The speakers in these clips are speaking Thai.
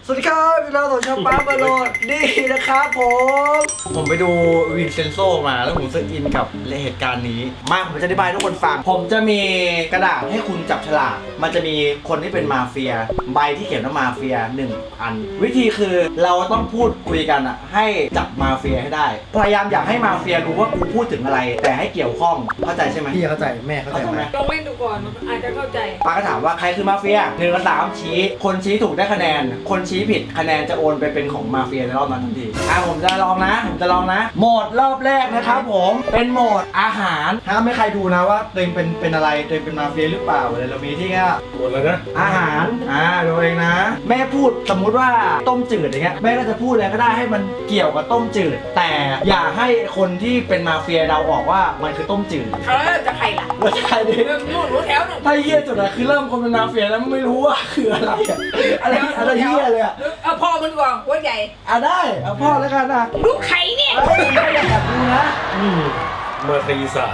สวัสดีครับพี่น้องของช่องป้าบอลโลดนี่นะครับผมไปดูวินเซนโซมาแล้วผมรู้สึกอินกับเหตุการณ์นี้มาผมจะอธิบายให้ทุกคนฟังผมจะมีกระดาษให้คุณจับฉลากมันจะมีคนที่เป็นมาเฟียใบที่เขียนว่ามาเฟีย1 อันวิธีคือเราต้องพูดคุยกันอะให้จับมาเฟียให้ได้พยายามอยากให้มาเฟียรู้ว่ากูพูดถึงอะไรแต่ให้เกี่ยวข้องเข้าใจใช่ไหมพี่เข้าใจแม่เข้าใจไหมลองเล่นดูก่อนอาจจะเข้าใจป้าก็ถามว่าใครคือมาเฟีย1 กับ 3ชี้คนชี้ถูกได้คะแนนคนชี้ผิดคะแนนจะโอนไปเป็นของมาเฟียในรอบนั้นทันทีผมจะลองนะโหมดรอบแรกนะครับผมเป็นโหมดอาหารห้ามไม่ใครดูนะว่าตัวเองเป็นอะไรตัวเองเป็นมาเฟียหรือเปล่าเลยเรามีที่แค่หมดแล้วนะอาหารดูเองนะแม่พูดสมมุติว่าต้มจืดอย่างเงี้ยแม่ก็จะพูดอะไรก็ได้ให้มันเกี่ยวกับต้มจืดแต่อย่าให้คนที่เป็นมาเฟียเราออกว่ามันคือต้มจืดจะใครล่ะว่าใช่ดินู่นรู้แถวหนึ่งถ้าเฮี้ยสุดอะคือเริ่มคนเป็นมาเฟียแล้วไม่รู้ว่าคืออะไรอะอะไรเฮี้ยเลยอะเอาพ่อมันก่อนหัวใหญ่ได้เอาพ่อแล้วกันนะลูกไข่เนี่ยไม่อยากแอบดูนะมาตีสาร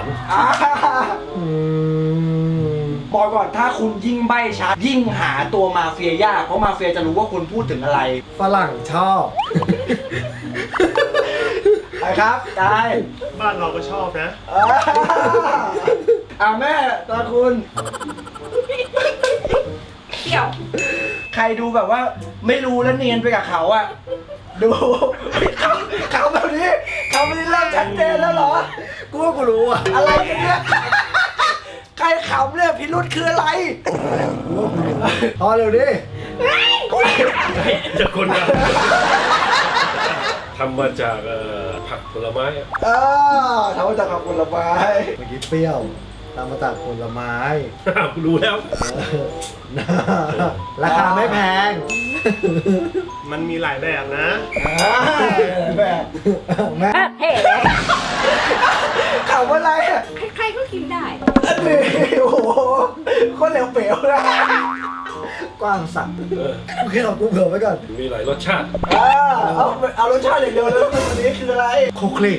บอกก่อนถ้าคุณยิ่งใบ้ชัดยิ่งหาตัวมาเฟียยากเพราะมาเฟียจะรู้ว่าคุณพูดถึงอะไรฝรั่งชอบไปครับได้บ้านเราก็ชอบนะแม่ตาคุณเกี่ยวใครดูแบบว่าไม่รู้แล้วเนียนไปกับเขาอะดูเขาแบบนี้เขาไม่ได้เริ่มชัดเจนแล้วเหรอกูว่ากูรู้อ่ะอะไรกันเนี่ยใครขำเนี่ยพิรุธคืออะไรพอเร็วดิจะคนนะทำมาจากผักผลไม้อะทำมาจากผักผลไม้เมื่อกี้เปรี้ยวตามมาจากผลไม้รู้แล้วราคาไม่แพงมันมีหลายแบบนะแบบแม่เฮ้ขำอะไรอ่ะใครก็กินได้อันนี้โอ้โหโคนเหลวเป๋วนะกว้างสัตว์โอเคเรากูเผื่อไว้ก่อนมีหลายรสชาติเอารสชาติอย่างเดียวแล้ววันนี้คืออะไรโคคลิก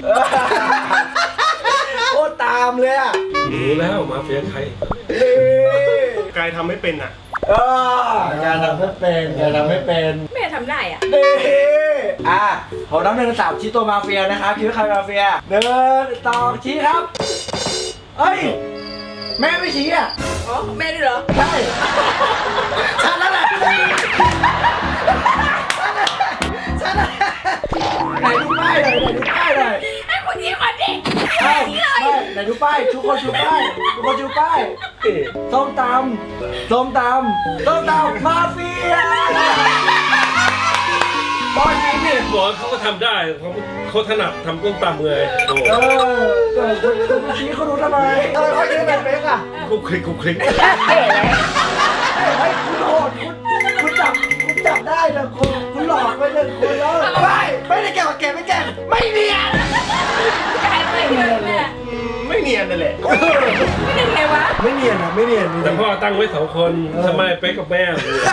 โคตรตามเลยอ่ะรู้แล้วมาเฟียใครกายทำไม่เป็นอ่ะการทำไม่เป็นแม่ทำได้อ่ะนี่ผมนับ1 3ชี้ตัวมาเฟียนะครับคิดว่าใครมาเฟีย1 2ชี้ครับเฮ้ยแม่ไม่ชี้อ่ะอ๋อแม่ด้วยเหรอใช่ฉันนั่นแหละฉันนั่นแหละไหนดูป้ายหน่อยไอ้คนนี้คนนี้ไหนดูป้ายทุกคนชูป้ายส้มตำมาเฟียตอนนี้นี่บอกเขาก็ทำได้เขาถนัดทำต้มตำเลยโอ้คุณชี้เขารู้ทำไมเขาคิดแบบเป๊กอ่ะคุกคลิกเฮ้ยคุณโหดคุณจับได้เลยคุณหลอกไปเลยคุณแล้วไม่ได้แก่กับแกไม่แก่ไม่เนียนใครไม่เชื่อแม่ไม่เนียนนั่นแหละไม่ได้ไงวะไม่เนียนอ่ะไม่เนียนแต่พ่อตั้งไว้2 คนทำไมเป๊กกับแม่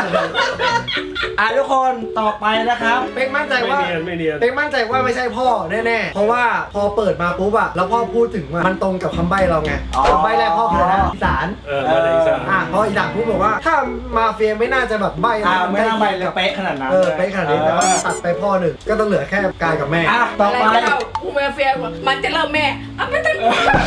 ทุกคนต่อไปนะครับเป๊กมั่นใจว่าไม่เนียนเป๊กมั่นใจว่าไม่ใช่พ่อแน่ๆเพราะว่าพอเปิดมาปุ๊บอะแล้วพ่อพูดถึงมันตรงกับคำใบ้เราไงคำใบ้แรกพ่อคืออะไรนะอีสานมาในอีสานพออีสานพูดบอกว่าถ้ามาเฟียไม่น่าจะแบบใบ้ไม่น่าไปเลยเป๊ะขนาดนั้นเป๊ะขนาดนี้แต่ว่าตัดไปพ่อหนึ่งก็ต้องเหลือแค่กายกับแม่ต่ออะไรไปก็เอากูมาเฟียมันจะเริ่มแม่เอาไปตั้ง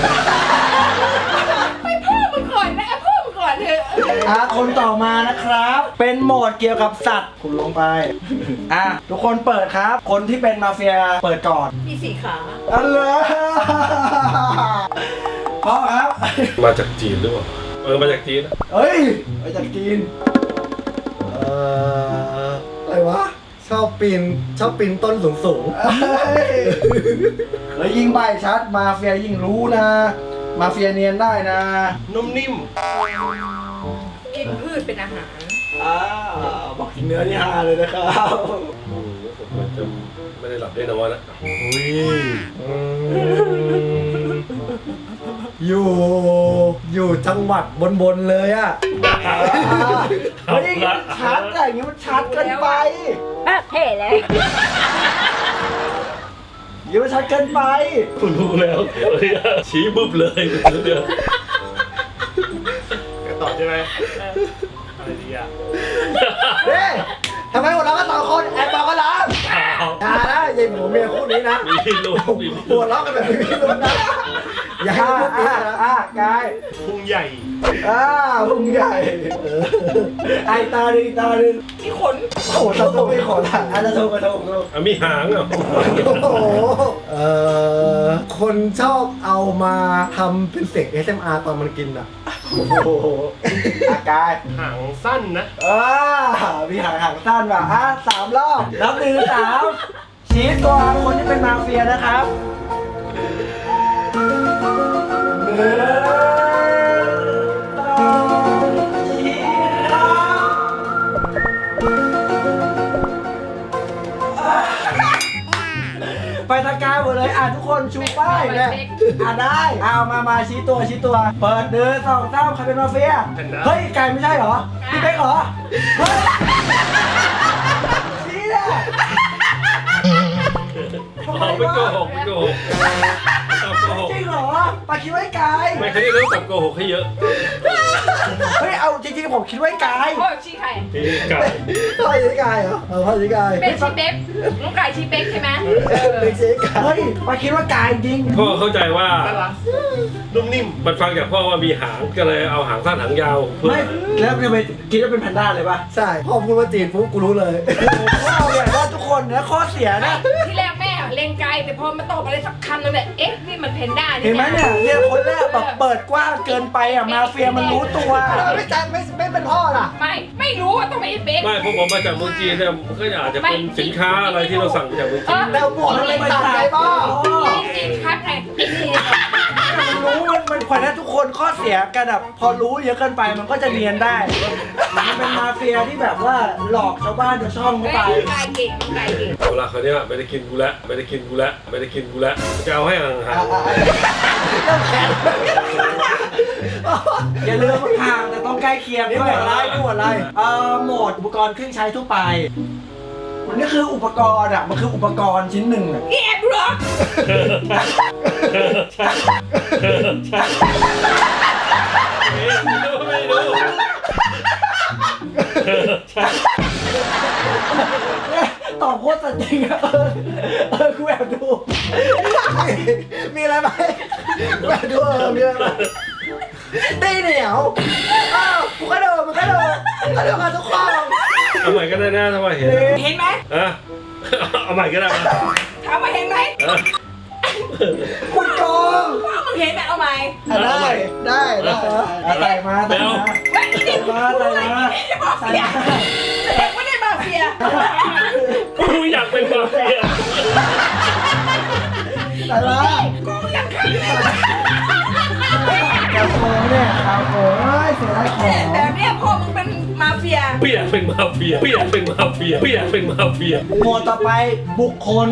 ไปพ่อมึงก่อนนะพ่อมึงก่อนเถอะคนต่อมานะครับ เป็นโหมดเกี่ยวกับสัตว์คุณลงไปทุกคนเปิดครับ คนที่เป็นมาเฟียเปิดก่อนมี4 ขาอันเลยพ่อครับมาจากจีนหรือเปล่ามาจากจีนเฮ้ยมาจากจีนอะไรวะชอบปีนต้นสูงแล้วยิ่งใบชัดมาเฟียยิ่งรู้นะ มาเฟียเนียนได้นะนุ่มนิ่มกินพืชเป็นอาหารบอกกินเนื้อที่ฮาเลยนะครับผมจะไม่ได้หลับได้นอนนะอยู่จังหวัดบนเลยอะเฮ้ยมันชัดแต่อย่างนี้มันชัดเกินไปเท่เลยอย่ามันชัดเกินไปคุณรู้แล้วชี้บึ้บเลยจะตอบใช่ไหมอะไรดีอ่ะเฮ้ยทำไมหมดแล้วก็2 คนผัวเมียคู่นี้นะมีพิรุธมีพิหัรุวธเราะกันแบบไม่มีลุ้นนะอย่าให้ลุ้นนี้นะกายพุงใหญ่พุงใหญ่ไอตาดึงตาดึงมีขนโอ้โหตะโกนไม่ขอละอาจจะโทรกระโทกอ่ะมีหางเหรอโอ้โหคนชอบเอามาทำเป็นเสียง SMR ตอนมันกินอ่ะโอ้โหกายหางสั้นนะมีหางสั้นว่ะ3 รอบนับ1 3ชี้ตัวคนที่เป็นมาเฟียนะครับ1 2 ชี้ไปตะกายหมดเลยทุกคนชูป้ายเนี่ยได้มาชี้ตัวเปิด1 2 3ใครเป็นมาเฟียเฮ้ยไก่ไม่ใช่เหรอพี่เป๊กเหรอเฮ้ยชี้เนี่ยไม่โกหกไม่โกหกโกหกจริงเหรอปาคิดไว้ไกายไม่เขาจะเริ่มกับโกหกให้เยอะเฮ้ยเอาจริงๆผมคิดไว้ไกายพ่อชี้ใครที่ไก่พ่อชี้กายเหรอพ่อชี้กายเป็นชี้เป๊กน้องไก่ชี้เป๊กใช่ไหมเป็นชี้กายเฮ้ยปาคิดว่าไกายจริงพ่อเข้าใจว่าน่ารักนุ่มนิ่มมันฟังจากพ่อว่ามีหางก็เลยเอาหางสั้นหางยาวเพื่อไม่แล้วจะไปคิดว่าเป็นแพนด้าเลยป่ะใช่พ่อพูดว่าจีนปุ๊บกูรู้เลยพ่อเนี่ยว่าทุกคนนะข้อเสียนะที่แรกแม่เล็งไกลแต่พอมาตอบอะไรสักคำนึงเนี่ยเอ๊ะนี่มันเพนด้าเห็นไหมเนี่ยคนแรกแบบเปิดกว้างเกินไปมาเฟียมันรู้ตัวแล้วไม่จันไม่เป็นพ่อล่ะไม่รู้ว่าต้องเป็นเป๊กไม่พวกผมมาจากเมืองจีนเนี่ยมันก็อาจจะเป็นสินค้าอะไรที่เราสั่งมาจากเมืองจีนแล้วหมวกมันเป็นต่างไงพ่อจริงครับไงนี่มันรู้มันพอนะทุกคนข้อเสียกันแบบพอรู้เยอะเกินไปมันก็จะเนียนได้มันเป็นมาเฟียที่แบบว่าหลอกชาวบ้านชาวช่องเข้าไปไก่เก่งไก่เก่งเอาละคราวเนี้ยไม่ได้กินกูแล้วไม่ได้กินกูแล้วไม่ได้กินกูแล้วจะเอาให้ห่างอย่าลืมห่างแต่ต้องใกล้เคียงนี่ด้หมววย ดอะไรนี่หมวดอะไรโหมดอุปกรณ์เครื่องใช้ทั่วไปมันนี่คืออุปกรณ์มันคืออุปกรณ์ชิ้นหนึ่งแอบเหรอไม่รู้ตอบโคตรสัจจริงกูแอบดูมีอะไรไหมมาดูมีอะไรไหมตีเหนียวกูก็โดนมันก็โดนก็โดนมาทุกข้อเอาใหม่ก็ได้นะถ้าว่าเห็นเห็นไหมเอาใหม่ก็ได้มาถามว่าเห็นไหมคุณกองว่ามึงเห็นไหมเอาไหมได้ใส่มาไม่ได้มาใส่มาแสดงว่าได้มาเฟียกูอยากเป็นมาเฟียใส่มากูยังขังเลยกระโปรงเนี่ยกระโปรงเสียดายของแบบเนี้ยพ่อมึงเป็นมาเฟียพี่อยากเป็นมาเฟียพี่อยากเป็นมาเฟียพี่อยากเป็นมาเฟียโหมดต่อไปบุคคล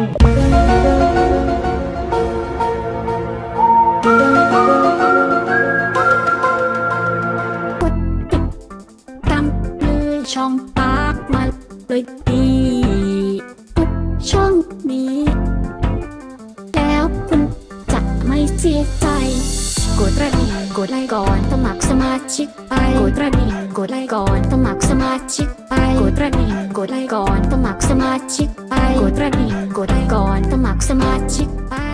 ตามเลยช่องปากมาเลยดีทุกช่องนี้ แล้วคุณจะไม่เสียใจกดกระดิ่งกดไลค์ก่อนสมัครสมาชิกไปกดกระดิ่งกดไลค์ก่อนสมัครสมาชิกไปกดกระดิ่งกดไลค์ก่อนสมัครสมาชิกไปกดกระดิ่งกดไลค์ก่อนสมัครสมาชิกไป